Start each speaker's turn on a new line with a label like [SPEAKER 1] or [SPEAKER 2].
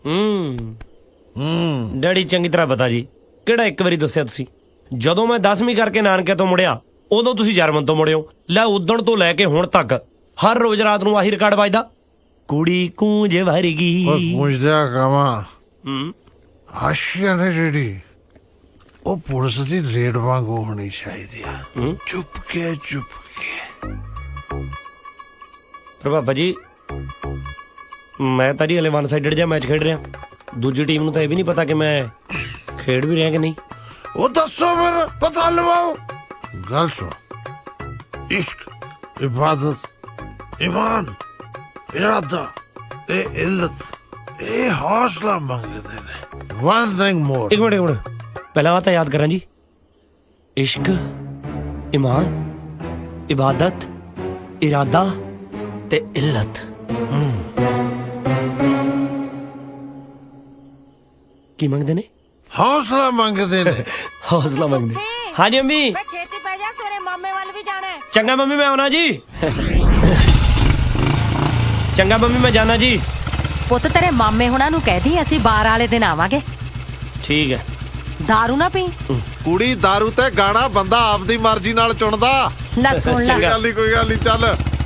[SPEAKER 1] Daddy ਚੰਗੀ ਤਰ੍ਹਾਂ ਪਤਾ ਜੀ। ਕਿਹੜਾ ਇੱਕ ਵਾਰੀ ਦੱਸਿਆ ਤੁਸੀਂ? ਜਦੋਂ ਮੈਂ 10ਵੀਂ ਕਰਕੇ ਨਾਨਕਿਆਂ ਤੋਂ ਮੁੜਿਆ ਉਦੋਂ ਤੁਸੀਂ ਜਰਮਨ ਤੋਂ ਮੁੜਿਓ। ਲੈ ਉਦਣ ਤੋਂ ਲੈ ਕੇ ਹੁਣ ਤੱਕ ਹਰ ਰੋਜ਼ ਰਾਤ ਨੂੰ ਆਹੀ ਰਿਕਾਰਡ ਵੱਜਦਾ, ਕੁੜੀ ਕੂੰਜ ਵਰਗੀ।
[SPEAKER 2] ਪੁੱਛਦਿਆ ਕਵਾਂ ਆਸ਼ੀਆ ਨੇ ਜਿਹੜੀ ਉਹ ਪੁਲਿਸ ਦੀ ਰੇਡ ਵਾਂਗੂ ਹੋਣੀ ਚਾਹੀਦੀ ਆ, ਚੁੱਪ ਕੇ।
[SPEAKER 1] ਪਰ ਬਾਬਾ ਜੀ ਮੈਂ ਤਾਂ ਜੀ ਹਲੇ ਵਨ ਸਾਈਡਡ ਜਿਹਾ ਮੈਚ ਖੇਡ ਰਿਹਾ, ਦੂਜੀ ਟੀਮ ਨੂੰ ਤਾਂ ਇਹ ਵੀ ਨਹੀਂ ਪਤਾ ਕਿ ਮੈਂ ਖੇਡ ਵੀ ਰਿਹਾ ਕਿ ਨਹੀਂ।
[SPEAKER 2] ਉਹ ਦੱਸੋ ਫਿਰ ਪਤਾ ਲਵਾਓ। ਗੱਲ ਸੁਣ, ਇਸ਼ਕ, ਇਬਾਦਤ, ਈਮਾਨ, ਇਰਾਦਾ ਤੇ ਇੱਜ਼ਤ ਇਹ ਹੌਸਲਾ ਮੰਗਦੇ ਨੇ। One thing more.
[SPEAKER 1] ਇੱਕ ਮਿੰਟ ਪਹਿਲਾਂ ਤਾਂ ਯਾਦ ਕਰਾਂ ਜੀ। ਇਸ਼ਕ, ਈਮਾਨ, ਇਬਾਦਤ, ਇਰਾਦਾ ਤੇ ਇੱਜ਼ਤ। ਕੀ ਮੰਗਦੇ ਨੇ?
[SPEAKER 2] ਹੌਸਲਾ ਮੰਗਦੇ ਨੇ।
[SPEAKER 1] ਹੌਸਲਾ ਮੰਗਦੇ। ਹਾਂਜੀ ਅੰਮੀ।
[SPEAKER 3] ਛੇਤੀ ਪੈ ਜਾ, ਸਵੇਰੇ ਮਾਮੇ ਵੱਲ ਵੀ ਜਾਣਾ ਹੈ।
[SPEAKER 1] ਚੰਗਾ ਮੰਮੀ ਮੈਂ ਆਉਣਾ ਜੀ। ਚੰਗਾ ਮੰਮੀ ਮੈਂ ਜਾਣਾ ਜੀ।
[SPEAKER 3] ਪੁੱਤ ਤੇਰੇ ਮਾਮੇ ਹੁਣਾਂ ਨੂੰ ਕਹਿ ਦੀ ਅਸੀਂ ਬਾਰ ਵਾਲੇ ਦਿਨ ਆਵਾਂਗੇ।
[SPEAKER 1] ਠੀਕ ਹੈ।
[SPEAKER 3] ਦਾਰੂ ਨਾ ਪੀ।
[SPEAKER 2] ਕੁੜੀ ਦਾਰੂ ਤੇ ਗਾਣਾ ਬੰਦਾ ਆਪਦੀ ਮਰਜ਼ੀ ਨਾਲ ਚੁਣਦਾ।
[SPEAKER 3] ਲੈ ਸੁਣ ਲੈ।
[SPEAKER 2] ਕੋਈ ਗੱਲ ਨਹੀਂ ਚੱਲ।